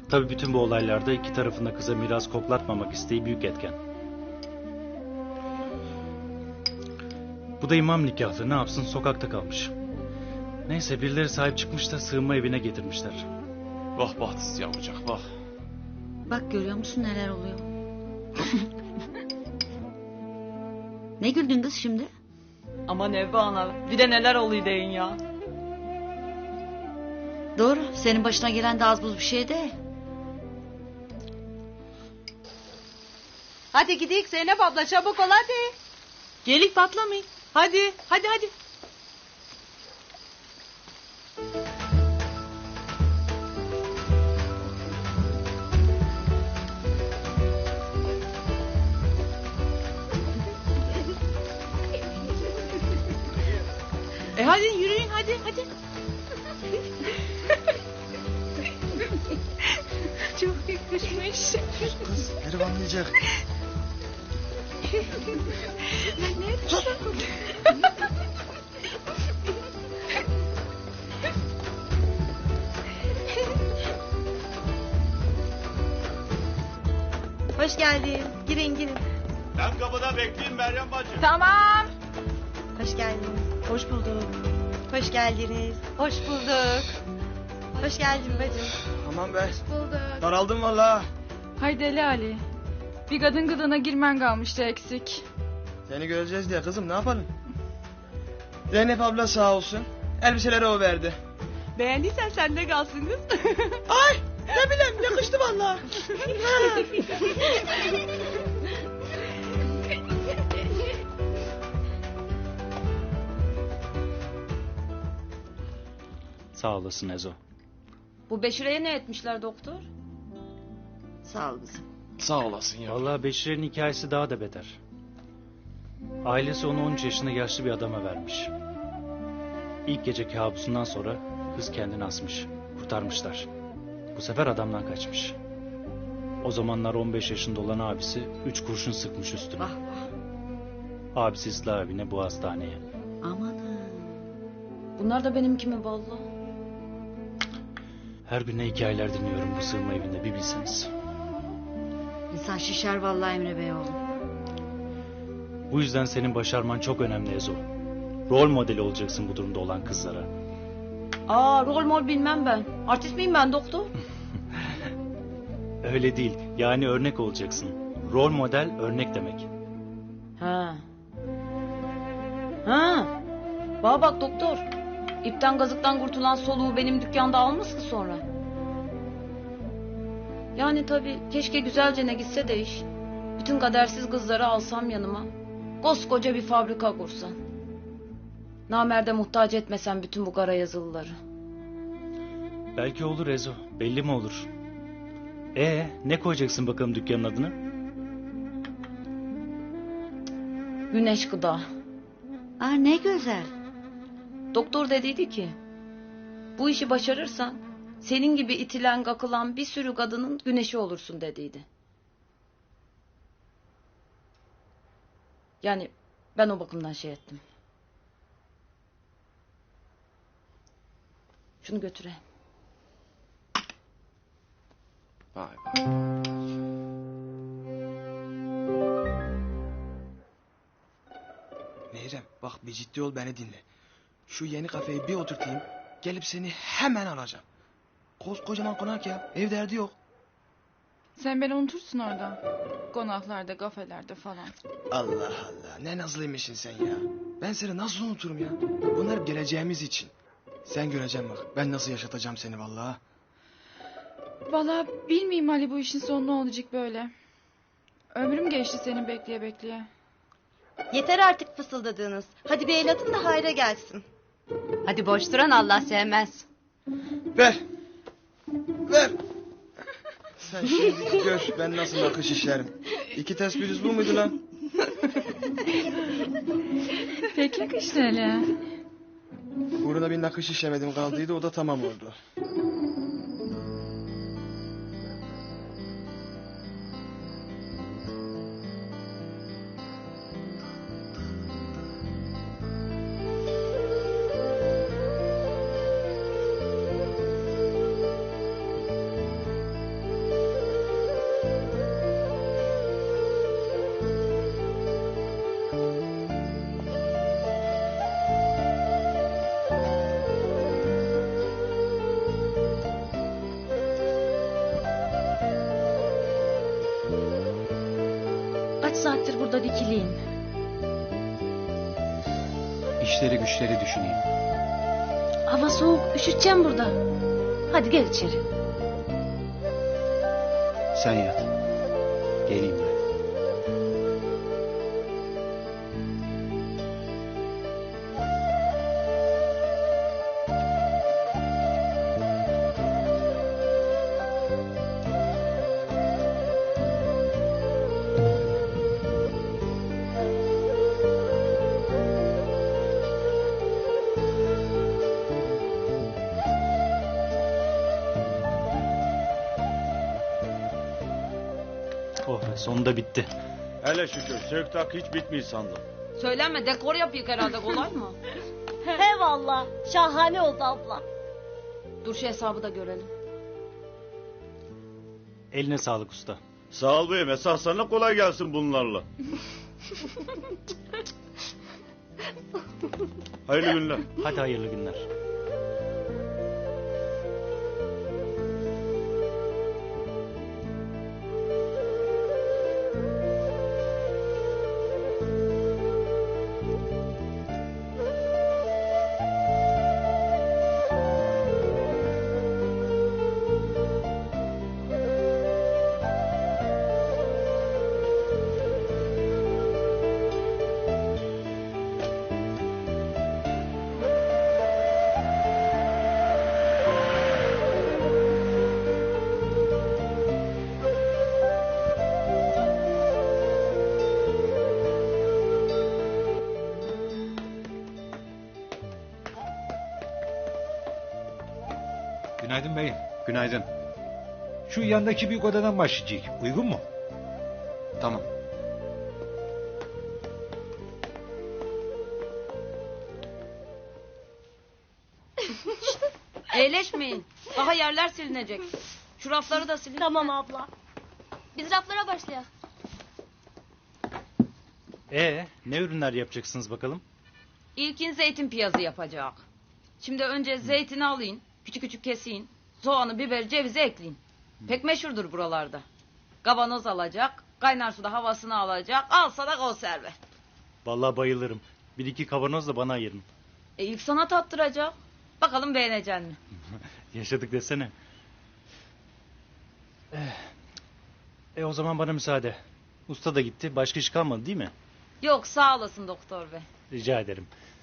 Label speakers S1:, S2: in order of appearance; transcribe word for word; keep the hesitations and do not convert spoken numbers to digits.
S1: Tabii bütün bu olaylarda iki tarafında kıza miras koklatmamak isteği büyük etken. Bu da imam nikahlı, ne yapsın, sokakta kalmış. Neyse, birileri sahip çıkmış da sığınma evine getirmişler.
S2: Vah bahtsız yavrucak vah.
S3: Bak görüyor musun neler oluyor? Ne güldün kız şimdi?
S4: Aman Evva ana, bir de neler oluyor deyin ya.
S3: Doğru, senin başına gelen de az buz bir şey değil.
S5: Hadi gidelim Zeynep abla, çabuk ol hadi.
S4: Gelik patlamayın. Hadi, hadi, hadi. E hadi yürüyün, hadi, hadi. Çok yakışmış.
S6: Kız herif anlayacak.
S5: Hoş geldin. Girin girin.
S2: Ben kapıda bekleyeyim Meryem bacı.
S5: Tamam. Hoş geldiniz.
S4: Hoş bulduk.
S5: Hoş geldiniz. Hoş bulduk. Hoş geldin bacım.
S6: Aman be.
S5: Bulduk.
S6: Daraldım valla.
S7: Haydi Ali Ali. Bir kadın gıdına girmen kalmıştı eksik.
S6: Seni göreceğiz diye kızım, ne yapalım? Zeynep abla sağ olsun. Elbiseleri o verdi.
S4: Beğendiysen sende kalsın kız.
S6: Ay ne bileyim, yakıştı valla.
S1: Sağ olasın Ezo.
S4: Bu Beşire'ye ne etmişler doktor?
S3: Sağ ol kızım.
S2: Sağ olasın ya.
S1: Vallahi Beşir'in hikayesi daha da beter. Ailesi onu on üç yaşında yaşlı bir adama vermiş. İlk gece kabusundan sonra kız kendini asmış. Kurtarmışlar. Bu sefer adamdan kaçmış. O zamanlar on beş yaşında olan abisi üç kurşun sıkmış üstüne.
S3: Vah vah.
S1: Abisi ıslah evine, bu hastaneye.
S3: Amanın.
S4: Bunlar da benimki mi vallahi?
S1: Her gün ne hikayeler dinliyorum bu sığınma evinde, bir bilseniz.
S3: İnsan şişer vallahi Emre Bey oğlum.
S1: Bu yüzden senin başarman çok önemli Ezo. Rol modeli olacaksın bu durumda olan kızlara.
S4: Aa, rol mol bilmem ben. Artist miyim ben doktor?
S1: Öyle değil. Yani örnek olacaksın. Rol model örnek demek.
S4: Ha. Ha. Bana bak doktor. İpten gazıktan kurtulan soluğu benim dükkanda almasın sonra. Yani tabii keşke güzelce ne gitse de iş. Bütün kadersiz kızları alsam yanıma. Koskoca bir fabrika kursam. Namerde muhtaç etmesem bütün bu kara yazılıları.
S1: Belki olur Ezo. Belli mi olur? Ee, ne koyacaksın bakalım dükkanın adını?
S4: Güneş gıda.
S3: Aa ne güzel.
S4: Doktor dediydi ki, bu işi başarırsan senin gibi itilen kakılan bir sürü kadının güneşi olursun dediydi. Yani ben o bakımdan şey ettim. Şunu götüreyim.
S2: Vay vay.
S6: Meyrem bak, bir ciddi ol, beni dinle. Şu yeni kafeyi bir oturtayım, gelip seni hemen alacağım. Koskocaman konak ya, ev derdi yok.
S7: Sen beni unutursun orada. Konaklarda, kafelerde falan.
S6: Allah Allah, ne nazlıymışsın sen ya. Ben seni nasıl unuturum ya? Bunlar geleceğimiz için. Sen göreceksin bak, ben nasıl yaşatacağım seni vallahi.
S7: Vallahi bilmeyeyim Ali, bu işin sonu ne olacak böyle. Ömrüm geçti seni bekleye bekleye.
S5: Yeter artık fısıldadığınız. Hadi bir el atın da hayra gelsin. Hadi boş duran Allah sevmez.
S6: Ver. Ver. Sen şimdi gör ben nasıl nakış işlerim. İki tespih düz bu muydu lan?
S7: Pek yakıştı Ali.
S6: Burada bir nakış işlemedim kaldıydı, o da tamam oldu.
S4: biraz burada dikileyim.
S8: İşleri güçleri düşüneyim.
S4: Hava soğuk, üşüteceğim burada. Hadi gel içeri.
S8: Sen yat. Geleyim ben.
S1: Oh be, sonunda bitti.
S2: Hele şükür söktak hiç bitmiyor sandım.
S4: Söylenme, dekor yapıyık herhalde, kolay mı?
S5: He valla. Şahane oldu abla.
S4: Dur şu hesabı da görelim.
S1: Eline sağlık usta.
S2: Sağ ol beyim esas sana kolay gelsin bunlarla. Hayırlı günler.
S1: Hadi hayırlı günler.
S9: Günaydın beyim.
S8: Günaydın.
S9: Şu yandaki büyük odadan başlayacak. Uygun mu?
S8: Tamam.
S4: Eğleşmeyin. Daha yerler silinecek. Şu rafları da silin.
S5: Tamam abla.
S10: Biz raflara başlayalım.
S1: Ee, ne ürünler yapacaksınız bakalım?
S4: İlkin zeytin piyazı yapacak. Şimdi önce zeytini alayım. Küçük küçük kesin. Soğanı, biberi, cevizi ekleyin. Pek meşhurdur buralarda. Kavanoz alacak. Kaynar suda havasını alacak. Alsa da konserve.
S1: Vallahi bayılırım. Bir iki kavanoz da bana ayırın.
S4: E ilk sana tattıracak. Bakalım beğenecek mi?
S1: Yaşadık desene. Eh. E o zaman bana müsaade. Usta da gitti. Başka iş kalmadı değil mi?
S4: Yok, sağ olasın doktor bey.
S1: Rica ederim.